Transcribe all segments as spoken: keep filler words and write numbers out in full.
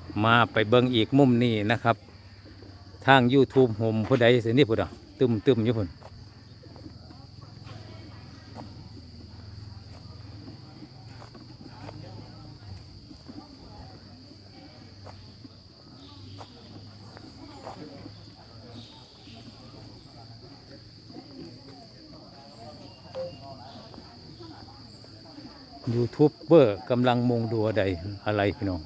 มาไปเบิ่งอีกมุมนี้นะครับทาง YouTube โฮมผู้ใดสินี่พุ่นอ่ะตึมตึมอยู่พุ่นยูทูบเบอร์กำลังมุงดูอะไรอะไรพี่น้อง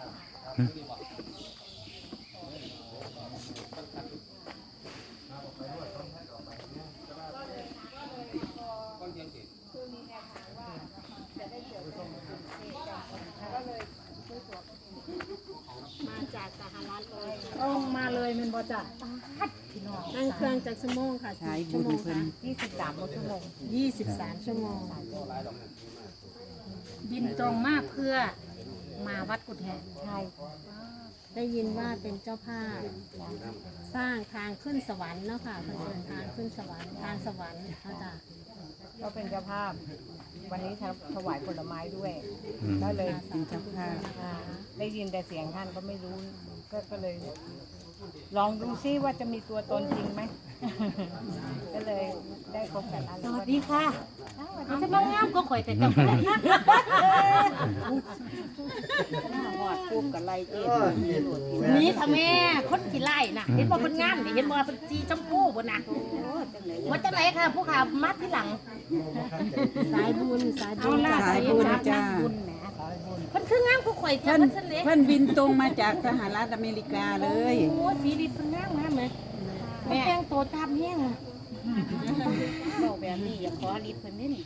มาจากสหรัฐเลยต้องมาเลยมันบ่จ้ะนั่งเครื่องจากชั่วโมงค่ะใช้ชั่บุวญโมงเพิ่ค่ะนยี่สิบสามชั่วโมงยี่สิบสามชั่วโมงบินตรงมาเพื่อมาวัดกุฎแห่ใช่ได้ยินว่าเป็นเจ้าภาพสร้างทางขึ้นสวรรค์เนาะค่ะเพิ่นเดินทางขึ้นสวรรค์ทางสวรรค์เขาจะก็เป็นเจ้าภาพ วันนี้ถวายผลไม้ด้วยก็เลยเป็นเจ้าภาพอ่าได้ยินแต่เสียงท่านก็ไม่รู้ก็ก็เลย ลองดูซิว่าจะมีตัวตนจริงไหม ก็เลยได้พบกับท่านสวัสดีค่ะเอาจะมางามก็ข่อยแต่เจ้าหอดปุ๊บกับไรเจ็บนี่ทำแม่คนขี้ไล่น่ะเห็นบ่คนงามนี่เห็นบ่เป็นสีชมพูบ่น่ะว่าจังไหนค่ะผู้ข่าวมัดที่หลังสายบุญสายบุเอาญล่ะสายบุบุญญจ้าบุญแหมเพิ่นคืองามผู้ข่อยเจ้าเพิ่นเพิ่นเล็กเพิ่นบินตรงมาจากสหรัฐอเมริกาเลยโอ้สีดีเพิ่นงามงามเลยแม่แต่งตัวตามแห้งบอกแบบนี้อย่าขอรีบเพิ่นนี่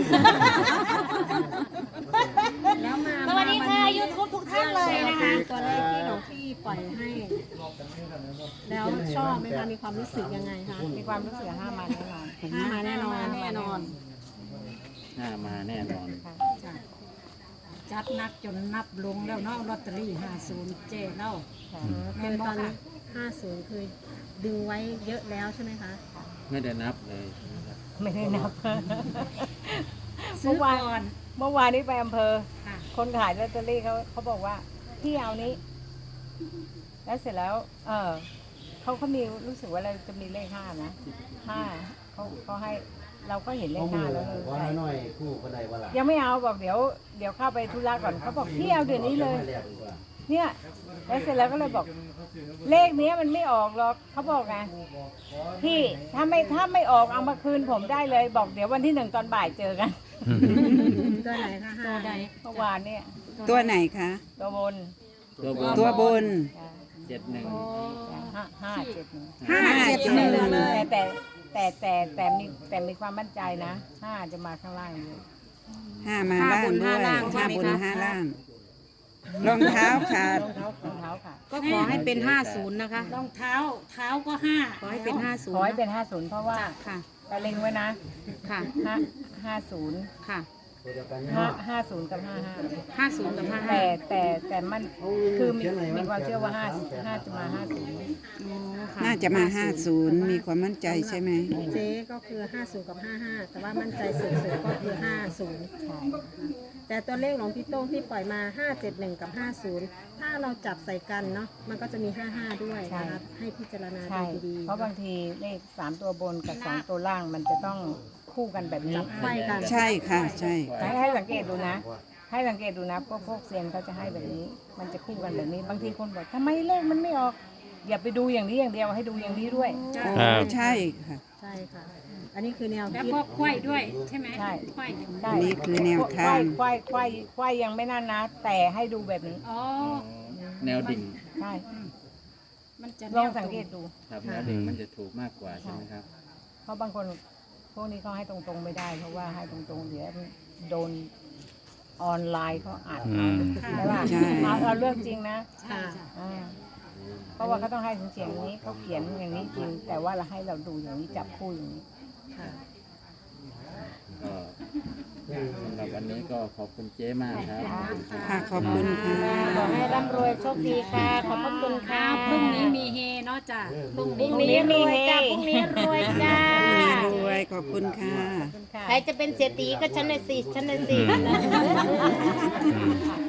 แล้วมาสวัสดีค่ะยูทูบทุกท่านเลยนะคะตัวเลขที่หลวงพี่ปล่อยให้ แล้วชอบไหมคะมีความรู้สึกยังไงคะมีความรู้สึกห้ามาแน่นอนห้ามาแน่นอนแน่นอนหน้ามาแน่นอนจัดนักจนนับลงแล้วเนาะลอตเตอรี่ห้าสิบเจ๊เล่าคือตอนนี้ห้าศูนย์คือดึงไว้เยอะแล้วใช่ไหมคะไม่ได้นับเลยไม่ได้นับซื้อก่อนเมื่อวานนี้ไปอำเภอค่ะคนขายลอตเตอรี่เขาเขาบอกว่าพี่เอานี้ แล้วเสร็จแล้ว เออเขาเขามีรู้สึกว่าเราจะมีเลขห้านะห้าเขาเขาให้เราก็เห็นเลขห้าแล้วเลยขอหน่อยคู่คนใดว่าล่ะยังไม่เอาบอกเดี๋ยวเดี๋ยวเข้าไปธุระก่อนเขาบอกพี่เอาเดี๋ยวนี้เลย เนี่ยแล้วเสร็จแล้วก็เลยบอก เลขเนี้ยมันไม่ออกหรอกเขาบอกไงพี่ถ้าไม่ถ้าไม่ออกเอามาคืนผมได้เลย บอกเดี๋ยววันที่หนึ่งตอนบ่ายเจอกันตัวไหนคะห้าใดเมื่อวานเนี่ยตัวไหนคะตัวบนตัวบนตัวบนเจ็ดหนึ่งห้าห้าเจ็ดหนึ่งห้าเจ็ดหนึ่งแต่แต่แต่แต่แต่มีแต่มีความมั่นใจนะห้าจะมาข้างล่างเลยห้ามาล่างด้วยห้าบนห้าล่าง รองเท้าขาดรองเท้ารองเท้าค่ะก็ขอให้เป็นห้าศูนย์นะคะรองเท้าเท้าก็ห้าขอให้เป็นห้าศูนขอย์ให้เป็นห้าศูนย์เพราะว่าค่ะแต่เล็งไว้นะค่ะห้าห้าศูนย์ค่ะห้าห้าศูนย์กับห้าห้าห้าศูนย์กับห้าห้าแต่แต่แต่มันคือมีมีความเชื่อว่าห้าห้าจะมาห้าศูนย์น่าจะมาห้าศูนย์มีความมั่นใจใช่ไหมเจ๊ก็คือห้าศูนย์กับห้าห้าแต่ว่ามั่นใจสุดๆก็คือห้าศูนย์ใช่แต่ตัวเลขของพี่โต้งที่ปล่อยมาห้าเจ็ดหนึ่งกับห้าศูนย์ถ้าเราจับใส่กันเนาะมันก็จะมีห้าห้าด้วยนะคะให้พิจารณาใช่ดูดีๆเพราะบางทีเลขสามตัวบนกับสองตัวล่างมันจะต้องคู่กันแบบนี้ไขว้กันใช่ค่ะ ใช่ให้ให้สังเกตดูนะ ให้สังเกตดูนะพวกพวกเซียนเขาจะให้แบบนี้ มันจะคู่กันแบบนี้ บางทีคนบอกทำไมเลขมันไม่ออก อย่าไปดูอย่างนี้อย่างเดียวให้ดูอย่างนี้ด้วยโอ้ใช่ค่ะใช่ค่ะ อันนี้คือแนวแล้วคิดก็ควายด้วยใช่ไหมใช่ควายใช่อันนี้คือแนวทางควายควายควายยังไม่นั่นนะ แต่ให้ดูแบบนี้อ๋อแนวดิ่งใช่มันจะลองสังเกตดูครับแนวดิ่งมันจะถูกมากกว่าใช่ไหมครับเพราะบางคนพวกนี้เขาให้ตรงๆไม่ได้ เพราะว่าให้ตรงๆเดี๋ยวโดนออนไลน์เขาอัดอืมใช่ป่ะใช่เอาเอาเรื่องจริงนะใช่จ้ะอ่าเพราะว่าเขาต้องให้เสียงนี้เขาเขียนอย่างนี้จริง แต่ว่าเราให้เราดูอย่างนี้จับคู่อย่างนี้ค่ะก็สำหรับวันนี้ก็ขอบคุณเจ๊มากครับค่ะขอบคุณค่ะขอให้ร่ำรวยโชคดีค่ะ ขอบพระคุณค่ะพรุ่งนี้มีเฮเนาะจ้ะพรุ่งพรุ่นี้งนี้รวยจ้าพรุ่งนี้รวยจ้ารวยขอบคุณค่ะขอบคุณค่ะใครจะเป็นเศรษฐีก็ฉันเลยสิฉันเลยสิ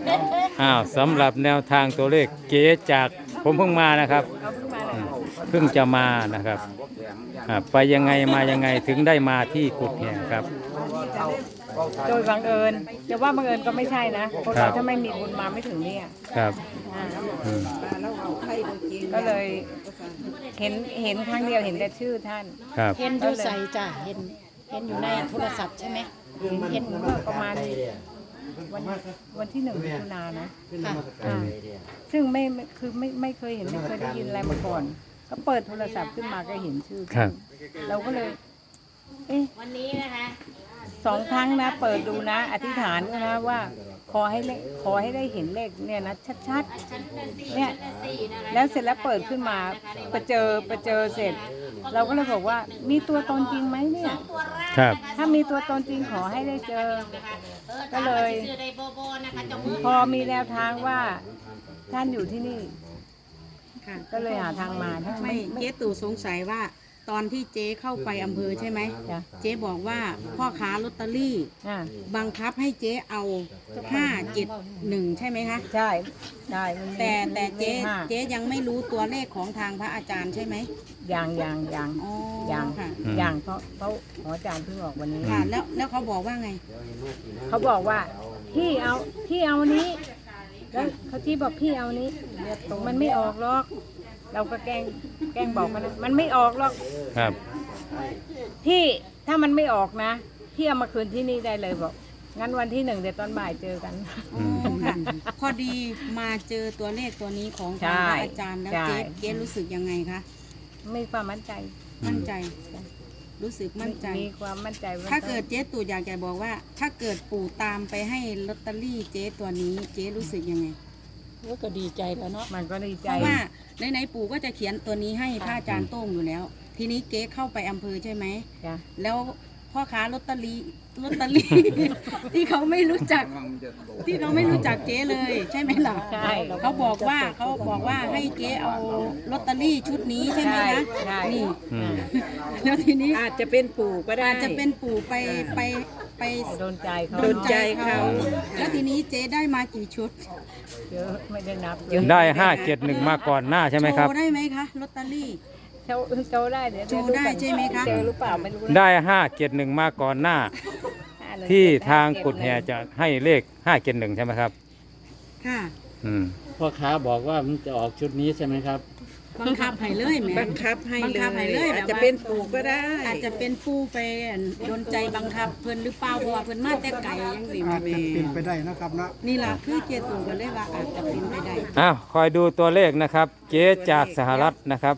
อ้าวสำหรับแนวทางตัวเลขเก๋จากผมเพิ่งมานะครับเอาเพิ่งมาเลยอืมเพิ่งจะมานะครับอ่าไปยังไงมายังไงถึงได้มาที่กุดแห่ครับโดยบังเอิญจะว่าบังเอิญก็ไม่ใช่นะเพราะครัเราบถ้าไม่มีบุญมาไม่ถึงเนี่ยครับอ่าอืมก็เลยเห็นเห็นครั้งเดียวเห็นแต่ชื่อท่านครับเห็นอยู่ใส่จ้ะเห็นเห็นอยู่ในโทรศัพท์ใช่ไหมเห็นเมื่อประมาณวันวันที่หนึ่งมิถุนายนนะค่ะอ่าซึ่งไม่ไม่คือไม่ไม่เคยเห็นไม่เคยได้ยินอะไรมาก่อน ก็เปิดโทรศัพท์ขึ้นมาก็เห็นชื่อครัท่าบนเราก็เลย เอ๊ะวันนี้นะคะสองครั้งนะ เปิดดูนะ อธิษฐานด้วยนะว่า ขอให้เลขขอให้ได้เห็นเลขเนี่ยนะชัดๆเนี่ยแล้วเสร็จแล้วเปิดขึ้นมาไปเจอไปเจอเสร็จ เราก็เลยบอกว่ามีตัวตนจริงไหมเนี่ยครับถ้ามีตัวตนจริงขอให้ได้เจอ ก็เลยชื่อไดโบโบนะคะจมือพอมีแนวทางว่าท่านอยู่ที่นี่ค่ะก็เลยหาทางมาถ้าไม่ไม่เจ๊ตู่สงสัยว่าตอนที่เจ๊เข้าไปอำเภอใช่ไหมจ้ะเจ๊บอกว่าพ่อค้าลอตเตอรี่อ่าบังคับให้เจ๊เอาห้าเจ็ดหนึ่งใช่ไหมคะใช่ใช่มันมีแต่แต่เจ๊มีห้าเจ๊ยังไม่รู้ตัวเลขของทางพระอาจารย์ใช่ไหมอย่างอย่างอย่างอ๋ออย่างค่ะอืมอย่างเพราะเพราะหมออาจารย์เพิ่งออกวันนี้ค่ะแล้วแล้วเขาบอกว่าไงเขาบอกว่าพี่เอาพี่เอานี้ แล้วเขาที่บอกพี่เอานี้มันไม่ออกหรอก เราก็แกล้งแกล้งบอกมันนะมันไม่ออกหรอกครับพี่ถ้ามันไม่ออกนะพี่เอามาคืนที่นี่ได้เลยบอกงั้นวันที่หนึ่งเดี๋ยวตอนบ่ายเจอกันอ๋อค่ะ พอดีมาเจอตัวเลขตัวนี้ของทางพระอาจารย์แล้วใช่เจ๊เจ๊รู้สึกยังไงคะมีความมั่นใจมั่นใจ รู้สึกมั่นใจมีความมั่นใจว่ถ้าเกิดเจ๊ตู่อยากจะบอกว่า ถ้าเกิดปู่ตามไปให้ลอตเตอรี่เจ๊ตัวนี้เจ๊รู้สึกยังไงก็ดีใจแล้วเนาะมันก็ดีใจเพราะว่าในๆปู่ก็จะเขียนตัวนี้ให้พระอาจารย์โต้งอยู่แล้ว ทีนี้เก๊เข้าไปอำเภอใช่ไหมจ้ะแล้วพ่อค้าลอตเตอรี่ลอตเตอรี่ ที่เขาไม่รู้จัก ที่เขาไม่รู้จักเจ๊เลย ใช่ไหมล่ะใช่เขาบอกว่าเขาบอกว่าให้เจ๊เอาลอตเตอรี่ชุดนี้ใช่ไหมคะใช่นี่อืมแล้วทีนี้อาจจะเป็นปู่ก็ได้อาจจะเป็นปู่ไปไปไปโดนใจเขาโดนใจเขาแล้วทีนี้เจ๊ได้มากี่ชุดเยอะไม่ได้นับได้ห้าเจ็ดหนึ่งมาก่อนหน้าใช่ไหมครับโชว์ได้ไหมคะลอตเตอรี่โชว์โชว์ได้เดี๋ยวโชว์ได้ใช่ไหมคะเจอหรือเปล่าไม่รู้นะได้ห้าเจ็ดหนึ่งมาก่อนหน้า ที่ทางกุดแห่จะให้เลขห้าเจ็ดหนึ่งใช่ไหมครับค่ะอืมพ่อค้าบอกว่ามันจะออกชุดนี้ใช่ไหมครับบังคับให้เลยแหม่บังคับให้บังเลคับให้เลยยแบบว่าอาจจะเป็นปู่ก็ได้อาจจะเป็นผู้ไปโดนใจบังคับเพิ่นหรือเปล่าเพราะว่าเพิ่นมาแต่ไก่ยังสิอาจจะเป็นไปได้นะครับนะนี่ล่ะคือเจตูก็เลยว่าอาจจะเป็นไปได้อ้าวคอยดูตัวเลขนะครับ เจ๊จากสหรัฐนะครับ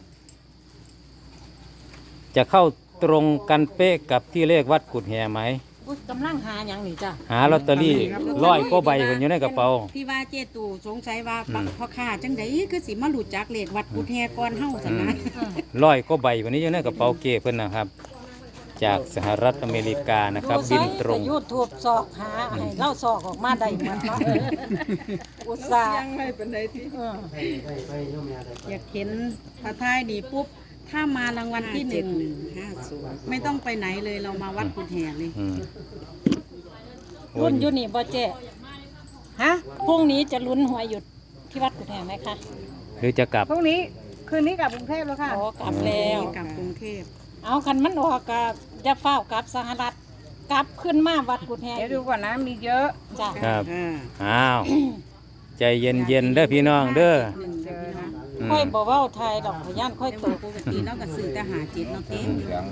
จะเข้าตรงกันเป๊ะกับที่เลขวัดกุดแห่ไหมอุ๊ยกำลังหาอย่างนี้จ้ะหาลอตเตอรี่ร้อยก็ใบเพิ่นอยู่ในกระเป๋าที่ว่าเจตูสงสัยว่าอืมพ่อค้าจังไดคือสิมารู้จักเลขวัดกุดแฮก่อนเฮาซั่นนะร้อยก็ใบวันนี้อยู่ในกระเป๋าเก้เพิ่นนะครับ จากสหรัฐอเมริกานะครับ บินตรงยูทูบสอกหาให้เล่าสอกออกมาได้เหมือนเนาะอุตส่าห์ยังไม่เป็นไรที่เอออยากเห็นพระทายดีปุ๊บถ้ามารางวัลที่หนึ่งห้าศูนย์ไม่ต้องไปไหนเลยเรามาวัดกุดแฮเลยอืมรุ่นอยู่นี่บ่เจ๊ฮะพรุ่งนี้จะลุ้นหวยหยุดที่วัดกุฎแห่ไหมคะหรือจะกลับพรุ่งนี้คืนนี้กลับกรุงเทพแล้วค่ะอ๋อกลับแล้วกลับกรุงเทพเอาคันมันออกกับจะเฝ้ากลับสหรัฐกลับขึ้นมาวัดกุฎแห่เดี๋ยวดูก่อนนะมีเยอะจ้ะครับอ่าอ้าว ใจเย็นๆเด้อพี่น้องเด้อหนึ่งเจอนะอืมค่อยบอกว่าไทยดอกพยานค่อยแต่ตว่าก ปกติเราก็ซื้อแต่หาจิตเนาะเก๊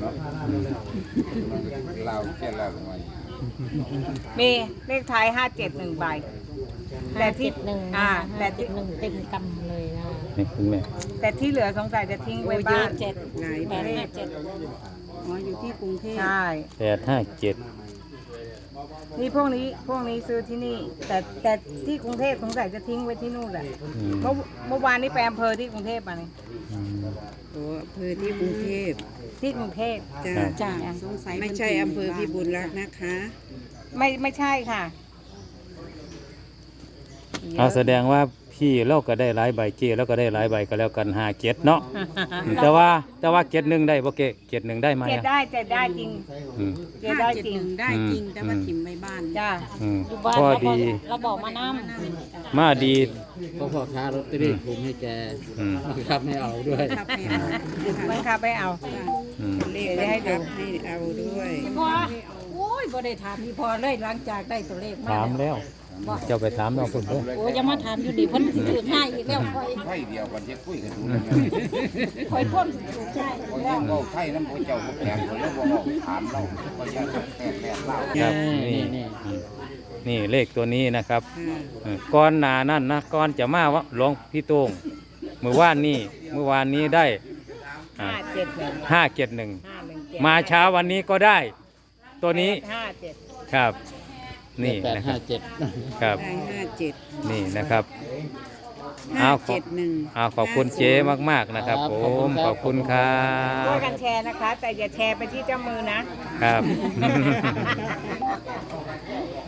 มีเลขท้ายห้าเจ็ดหนึ่งใบ แต่ที่หนึ่งอ่าแต่แต่ติที่ดหนึ่งเต็มกำเลยนะนี่คุณแม่แต่ที่เหลือสงสัยจะทิ้งไว้เยบ้าอะนเจ็ดหลายแปดห้าเจ็ดอ๋ออยู่ที่กรุงเทพใช่แปดห้าเจ็ดนี่พวกนี้พวกนี้ซื้อที่นี่ แต่แต่ที่กรุงเทพสงสัยจะทิ้งไว้ที่นู่นแหละอืมเมื่อเมื่อวานนี้ไปอำเภอที่กรุงเทพมาเนี่ยอืมตัวอำเภอที่กรุงเทพที่กรุงเทพจ้าครับจ้าสงสัยไม่ใช่อำเภอพิบูลรักษ์นะคะไม่ไม่ใช่ค่ะเอาแสดงว่าพที่เราก็ได้หลายใบเจแล้วก็ได้หลายใบก็แล้วกันห้าเจ็ดเนาะอืมแต่ว่าแต่ว่าเจ็ดหนึ่งได้บ่เกเจ็ดหนึ่งได้ไหมเจ็ดอะได้เจ็ดได้จริงอืมเจ็ดห้าได้เจ็ดจริงหนึ่งได้จริง แต่ว่าถิ่มไปบ้านจ้าอืมอยู่บ้านพอเราบดีอกเราบอกมาน้มาดีก็พ่อค้าลอตเตอรี่คุมให้แกอืมบังคับไม่เอาด้วยครับไม่เอาบังคับไปเอาอืมเลขบังคับให้เอาด้วยำพอโอ้ยบ่ได้ถามพี่พอเลยหลังจากได้ตัวเลขมาถามแล้วเจ้าไปถามน้องคุณเด้อโอ้ยอย่ามาถามอยู่ดิเพิ่นสิถือง่ายอีกแล้วคอยไข่เดียวกันจะคุยกันดูเลยคอยพ่นสิถือง่ายอีกแล้วเราไข่น้ำพระเจ้าพระแก่คนแล้วบอกถามเราก็จะแตกแตกเล่าครับนี่นี่นี่เลขตัวนี้นะครับเออก้อนหนานั่นนะก้อนจะมาว่าหลวงพี่โต้งเมื่อวานนี้เมื่อวานนี้ได้อ่าห้าเจ็ดหนึ่งห้าเจ็ดหนึ่งห้าหนึ่งเจ็ดมาเช้าวันนี้ก็ได้ ตัวนี้ห้าเจ็ดครับ นี่แปดนะครัห้าบเจ็ดครับได้ห้าเจ็ดนี่นะครับห้าเอาขอเจ็ดหนึ่งเอาขอบคุณเจ๊มากๆนะครับผมขอบคุณครัช่วยบกันแชร์นะคะ แต่อย่าแชร์ไปที่เจ้ามือนะครับ